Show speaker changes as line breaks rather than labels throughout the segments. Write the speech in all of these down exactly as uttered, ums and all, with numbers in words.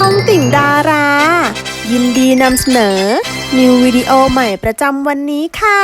องติ่งดารา ยินดีนำเสนอ นิววิดีโอใหม่ประจำวันนี้ค่ะ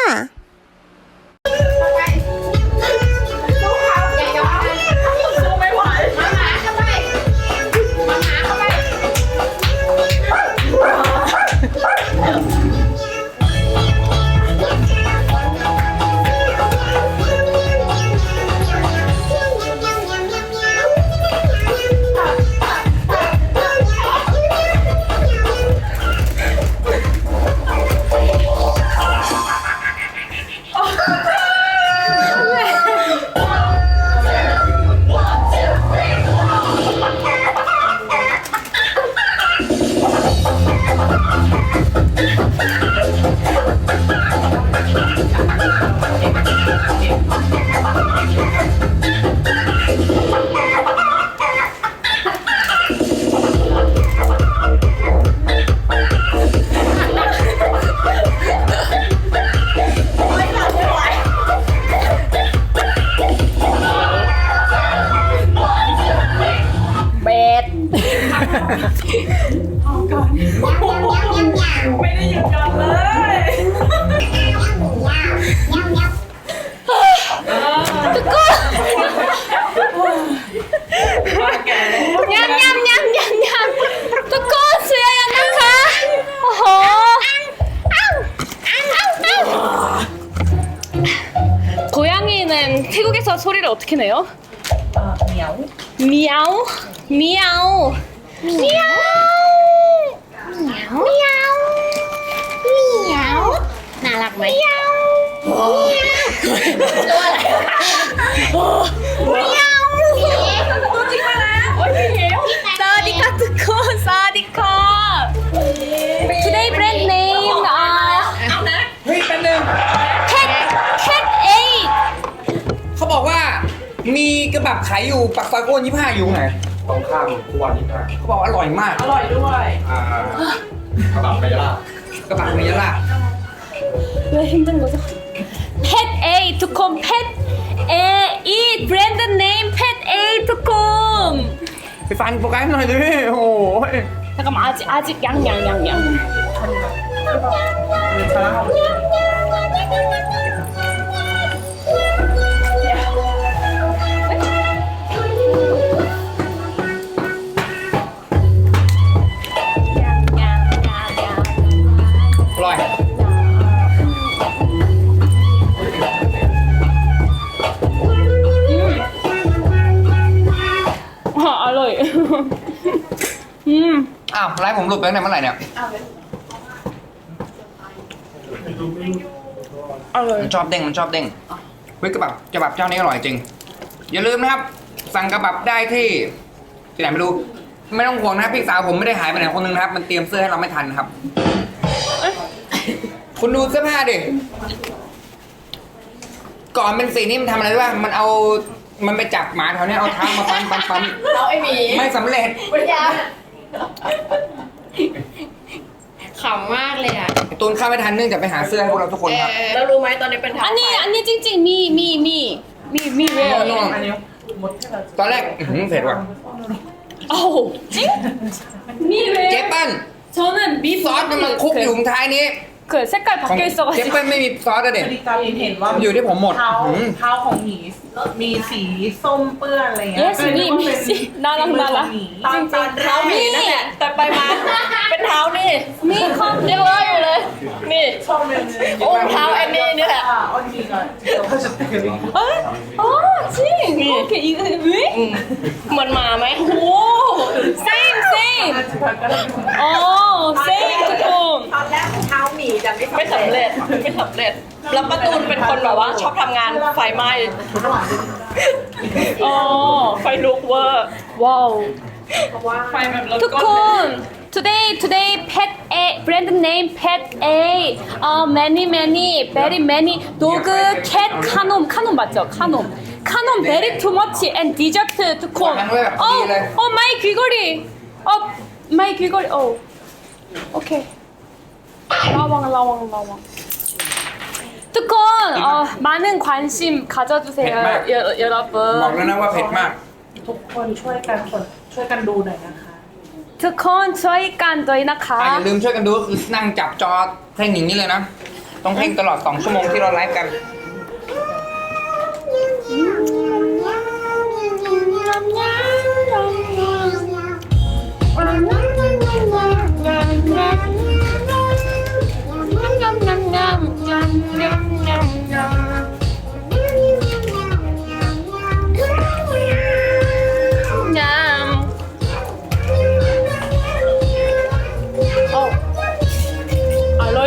ไม่ได้หยุดยั้งเลย
ทุกคนยำยำยำยำยำทุกคนเสียยังนะคะโอ้โห고양이는 태국에서 소리를 어떻게 내요?
아, 미야오.
미야오 미야오 미야오 미야오 미야오 น่ารักไหมมิยาวตัวอะไรมิยาวตัวจริงมาแล้วโอ้ยเหี้ยวสวัสดีค่ะทุกคนสวัสดีค่ะ Today brand name อ่า
เอานะ
เฮ้ยแป๊บนึง
Cat Cat Eight
เขาบอกว่ามีกระบับขายอยู่ปักซอยโกนยี่ห้าอยู่ไหน
ตรงข้ามทุกวันนี้นะ
เขาบอกอร่อยมาก
อร่อยด้วย
อ่ากระบะไปยะลาก
ระบับเมยล่า
왜 힘든 거죠? Pet Eight ทุกคน Pet Eight brand name Pet Eight ทุกคน
ไปฟังโปรแกรมหน่อยดิโอ้ย
잠깐만 아직 아직 양양양양
อร่อย
아, 알로이. 음.
อ้าวไลฟ์ผมหลุดไปตั้งแต่เมื่อไหร่เนี่ย
알로이.
มันชอบเด้งมันชอบเด้งเฮ้ยกระบับกระบับเจ้านี้อร่อยจริง อย่าลืมนะครับ สั่งกระบับได้ที่ที่ไหนไม่รู้ไม่ต้องห่วงนะครับพี่สาวผมไม่ได้หายไปไหนคนนึงนะครับ มันเตรียมเสื้อให้เราไม่ทันครับ คุณดูเสื้อผ้าดิก่อนเป็นสีนี่มันทำอะไรรู้ป่ะมันเอามันไปจับหมาแถวเนี้ยเอาเท้ามาปั๊มปั๊มปั๊ม
เราไอ้หมี
ไม่สำเร็จ
ปัญญาขำมากเลยอ่ะ
ตูนเข้าไม่ทันเนื่องจากไปหาเสื้อให้พวกเราทุกคนครับ
แล้วรู้ไหมตอนนี้เป็นทาง
아니 아니 찡찡 미미미미미
น
왜요?
่วงตอนแรกอื้อหือเผ็ดว่ะ
아우 찡? 미
เจ
왜요?
เปิ้ล
저는 미
ซอสมันมาคลุกอยู่ท้ายนี้
그 색깔
ของ
바뀌어
เจ
있어가지고
เปิ้ลไม่มีซอสอะเด็ด
พอดีตาลินเห็นว่า
อยู่ที่ผมหมด
เท้า
อืม
เท้าของหมีมีสีส้มเปื้อนอะไรเงี้ย
Yes
ก็เลยนึกว่าเป็น
มีมีน่ารัก
ฝีมือ
น่ารั
ขอก งหมี
ตอนตอนเท้าหมีนั่นแหละแต่ไปมาเป็นเท้านี่
미 컴
ยังเลยอยู่เลยนี่
ชอบเลย
โอ้เท้าแอนนี่นี่แหละ
อ่าออนมีก่อนเดี๋ยวเขาจะเตือน
어? 아 찡! 이렇게 이거 왜?
เหมือนหมาไหม
오! same same! 어 same ทุกคน
ตอนแรกเท้าหมีแต่ไม่สำเร็จไม่สำเร็จแล้วประตูนเป็นคนแบบว่าชอบทำงานไฟไหม้
어
ไฟลุกเวอร์
와우
ไฟแบบรถ
ทุก
ก้
คน today today pet A brand name pet A uh, many many very many dog cat 카놈 카놈 맞죠 카놈 카놈 very too much and dessert ทุกคน
วางไว้แบบดีเลย
어 마이 귀걸이 어 마이 귀걸이 어 오케이 라왕 라왕 라왕ทุกคน 어, 많은 관심 가져주세요
ผ็ดมาก
여, 여러분
บอกแล้วนะว่าเผ็ดมาก
ทุกคนช่วยกันกดช่วยกันดูหน่อยนะคะ
ทุกคนช่วยกันด้วยนะ
อ่ะ
คะ
อย่าลืมช่วยกันดูก็คือนั่งจับจอเพ่งอย่างนี้เลยนะ ต้องเพ่งตลอดสองชั่วโมงที่เราไลฟ์กัน
อร่อย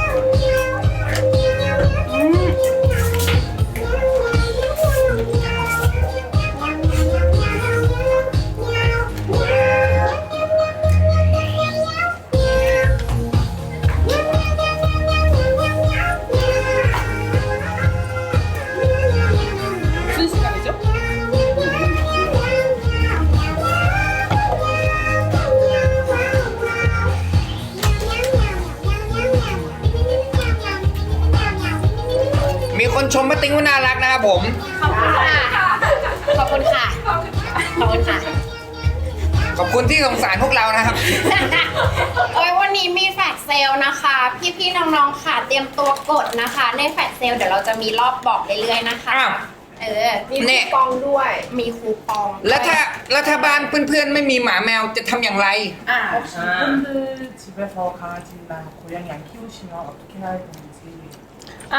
무슨 시간이죠?
มีคนชมป้าติ้งว่าน่ารักนะครับผม
ขอบคุณค่ะ ขอบคุณค่ะ ขอบคุณค่ะ
ขอบคุณที่สงสารพวกเรานะครับ
โอ้ยวันนี้มีแฟลชเซลล์นะคะ พี่ๆน้องๆค่ะเตรียมตัวกดนะคะ ในแฟลชเซลล์เดี๋ยวเราจะมีรอบบอกเรื่อยๆนะคะ
อ้าว
เออ
มี
เนี่
คู
ย
ปองด้วย
มีคูปอง
แล้วถ้าแล้วถ้าบ้านเพื่อนๆไม่มีหมาแมวจะทำอย่างไร
อ่า
혹시 팬들 집에서 강아지나 고양이 안 키우시면 어떻게 해야 되는지.
아,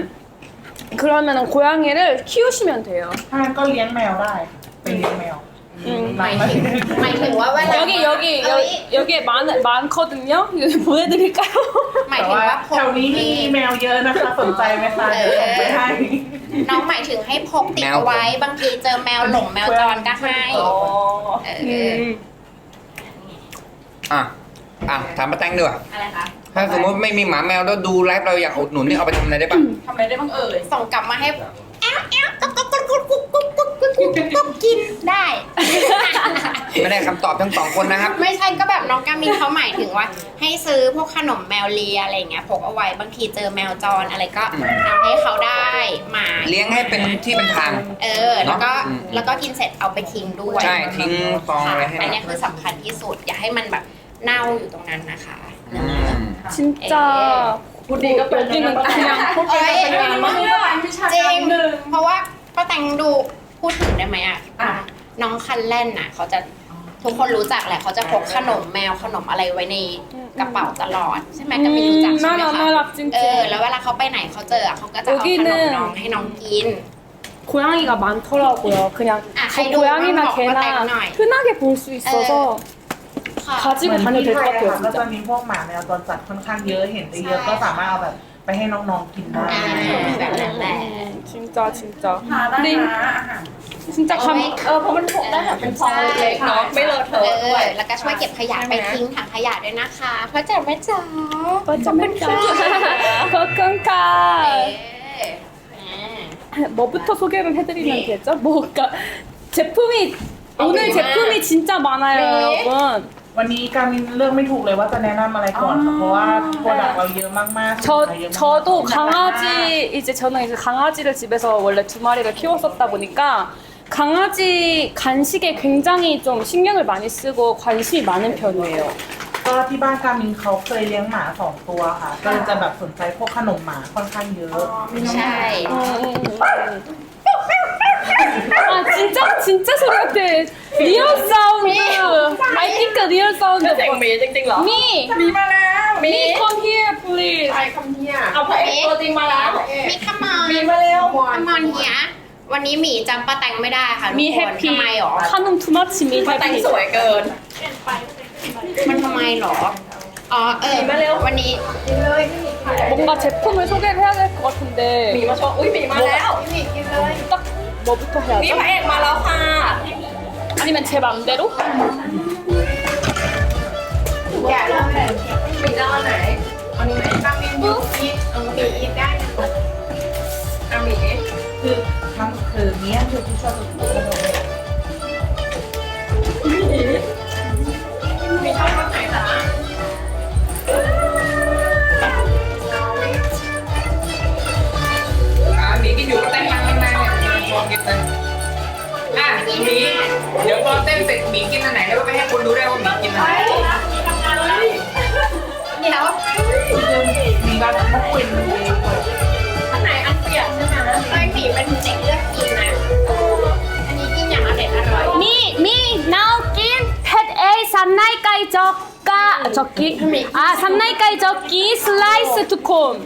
그러면은 고양이를 키우시면 돼요.
ถ้างั้นก็เลี้ยงแมวได้ไปเลี้ยงแมว
음.
หมายถึงหมายถึงว่าเวลา
여기 여기
เอ้ย
여, 여기에 많 많거든요. 이거 보내드릴까요?
หมาย
แต่
ถึง
ว่า
ว่าพ
แถ
ก
วนี้มีแมวเยอะนะคะสนใจไหมคะเดี๋ยวส่งไปให้
น้องหมายถึงให้พกติดเอาไว้ บางทีเจอแมวหลงแมวจรก็ให้
อ๋อ
เออ
음.
อ่ะ อ่ะ ถามป้าแตงด้วย
อะไรคะ
ถ้าสมมติไม่มีหมาแมวแล้วดูไลฟ์เราอยากอุดหนุนนี่เอาไปทำอะไรได้บ้าง
ทำอะไรได้บ้างเอ่ย
ส่งกลับมาให้แอ้วแอ้วกุ๊กกุ๊กกุ๊กกุ๊กกุ๊กกุ๊กกุ๊กกุ๊กกุ๊กกุ๊กกินได้
ไม่ได้คำตอบทั้งสองคนนะครับ
ไม่ใช่ก็แบบน้องกามินเขาหมายถึงว่า ให้ซื้อพวกขนมแมวเลียอะไรอย่างเงี้ยพกเอาไว้บางทีเจอแมวจรอะไรก็เอาให้เขาได้มา
เลี้ยงให้เป็นที่เป็นทาง
เออ แล้วก็
อืม
แล้วก็กินเสร็จเอาไปทิ้งด้วย
ใช่ทิ้งฟอง
ค่ะ
ไว้ให้
อันเนี้ยคือสำคัญที่สุด อย่าให้มันแบบเน่าอยู่ตรงนั้นนะคะ
อืม
진짜
พูดดีก็เป็น
여기는 그냥
เอ้ย
เป็นมากวิชา
จริ
การ
ง
หนึ่ง
เพราะว่าป้าแตงดูพูดถึงได้ไหมอ่ะ
อ่ะ
น้องคันเล่นน่ะ เขาจะทุกคนรู้จักแหละเขาจะพกขนมแมวขนมอะไรไว้ในกระเป๋าตลอดใช่ไหมก็ไม่รู้จัก
음,
ใช่ไหม
나라
คะ
나라
เออ
찡찡.
แล้วเวลาเขาไปไหนเขาเจอเขาก็จะเอาขนมน้องให้น้องกิน
고양이가 많더라고요. 그냥
아,
저
하이도
고양이나
한번
개나
먹어봐요.
흔하게 볼 수 있어서
ค่ะ
가지고
เหมือน
다녀도
ที่
될
ไท
것
ยอะค่ะ
같아요,
ก็จะ
진짜.
มีพวกหมาแมวจรจัดค่อนข้างเยอะเห็นได้เยอะก็สามารถเอาแบบไปให้น้องๆกินได้
อ่าแบบนั้นแหละ
음, 진짜 진짜.
ทานได้
근데
นะอาหาร
진짜 감
เออเพราะมันพกได้แบบเป็นฟองเล็กๆเนาะไม่เลอะเท
เอ
อะด้วย
อแล้วก็ช่วยเก็บขยะไปทิ้งถังขยะด้วยนะคะเพราะจ๋าแม่จ๋า
맞아 맞아. 거건가.
เออ
뭐부터 소개를 해드리면 되죠? 뭐가 제품이 오늘 제품이 진짜 많아요, 여러분.
วันนี้การมินเลือกไม่ถูกเลยว่าจะแนะนำอะไรก่อนค่ะเพราะว่าโปรดักต์เราเยอะมากๆ
저
สินค้าเยอะมาก
저도 강아지 이제 저는 이제 강아지를 집에서 원래 두 마리를 키웠었다 보니까 강아지 간식에 굉장히 좀 신경을 많이 쓰고 관심이 많은 편이에요.
ก็ที่บ้านการมินเขาเคยเลี้ยงหมาสองตัวค่ะ ก็เลยจะแบบสนใจพวกขนมหมาค่อนข้างเยอะ
ใช่
음, 음, 음. 아 진짜 진짜 소리 같아. 리얼 사운드. I think real sound.
เสียงหมีจริงๆเหรอ
Me.
มีมาแล้วมี
Me come here please.
ใครคำเนี้ยเอาพระเอกตัวจริงมาแล้ว
มีขมอน
มีมาแล้ว
ขมอนเฮียวันนี้หมีจำป้าแตงไม่ได้ค่ะทุก
Me
คน
happy.
ทำไมหรอ
카놈 too much. Me
มาแต่ง
happy.
สวยเกิน
มันทำไมหรอ อ๋อเออ
มีมาเร็ว
วันนี้
กินเลยพี่
뭔가 제품을 소개를 해야 될 것 같은데
หมีมาโชว์อุ้ยหมีมาแล้วหมีกินเลย
딱 뭐부터
นี่
해야죠?
พระเอกมาแล้วค่ะ
아니면 제 맘대로?
แกะเลยหมีจะเอาไหนเอานี้ไหมบางมียูอีทเอาหมีอีทได้เอาหมี
คือมันคือเนี้ยคือที่ชอบจะพูดกันเลย
หมีชอบรสไหนจ๊ะ
อ่าหมีกินอยู่ก็เต้นมันข้างในเนี่ยชวนกินเลยอ่ะหมีเดี๋ยวพอเต้นเสร็จหมีกินอันไหนแล้วก็ไปให้
젓가 젓기 아 산나이까이 젓기 슬라이스 두콘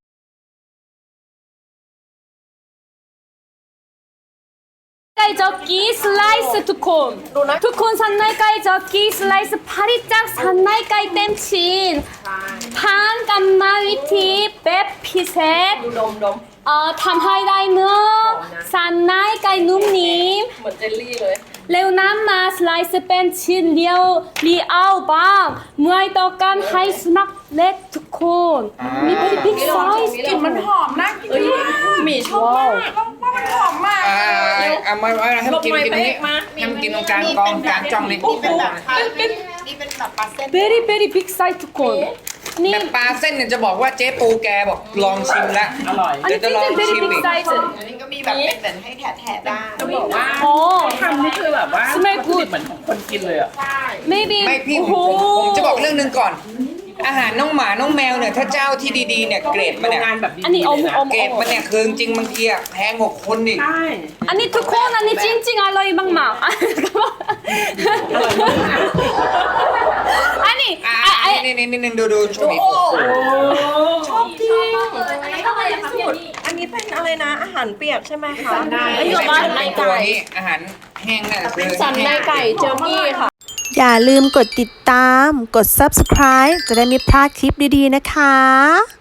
산나이까이 젓기 슬라이스 두콘 두콘 산나이까이 젓기 슬라이스 파리짝 산나이까이 땜친 판 깜마 위티 백 피셋
ดูดมดม
เอ่อทำให้ได้เนื้อสันในไก่นุ่มนิ่ม
เหมือนเจลลี่เลย
เร็วน้ำมาสไลซ์เป็นชิ้นเดียวรีเอาบ้างเมื่อต้องการให้สุนัขเล็กทุกคนมีเป็นบิ๊กไซส์
กลิ่นมันหอมนะเอ้ยหมีชอบมากว่ามันหอมมาก
อ่าเอามาเอาให้มันกินกินนี้ให้มันกินตรงกลางกองกลางจ้องนี่
นี่เป็นแบบเป็นนี่เป็นแบบปลาเส้น
เบรี่เบรี่บิ๊กไซส์ทุกคนนี่
แต่ปลาเส้นเนี่ยจะบอกว่าเจ๊ปูแกบอกลองชิมแล้ว
อร่อย
อัน
เดี๋
นี้
ยวจะลอง
เบ
ชิ
รี่
ม
บิ๊ก
อีก
ไซส์
อันนี้ก็มีแบบเป็นแบบให้แถะๆได้
จะบอกว่า
โอ้
ทำนี่คือแบบว่า
Smell good
เหมือนของคนกินเลยอ่ะ
ใช่
maybe
ไม่พี่
โอ้
ผม
โห
ผมผมจะบอกเรื่องหนึ่งก่อน อาหารน้องหมาน้องแมวเนี่ยถ้าเจ้าที่ดีๆเนี่ยเกรดมันเนี่ย
โรงงานแบบดีๆ
อันนี้อม
เลยนะ
อม
เกรดมันเนี่ยคือจริงๆบางทีอะแพงกว่าคนอีก
ใช่
อันนี้ทุกคนอันนี้จริงๆอร่อยมากๆอันนี้
อ่า
อ่ะอ่ะ
นี่นี่นี่นี่ดูดูชมอีก
ชอบจริง
อันนี้เท่าไหร่คะพี่
อันนี้เป็นอะไรนะ อาหารเปียกใช่ไหมคะ
อันนี้
ไม่
เหรอ
ใช่
วะ
เป็นตัวนี้อาหารแห้งเนี่ยคือ
สันในไก่เจอกี้ค่ะ
อย่าลืมกดติดตาม กด ซับสไครบ์ จะได้ไม่พลาดคลิปดีๆนะคะ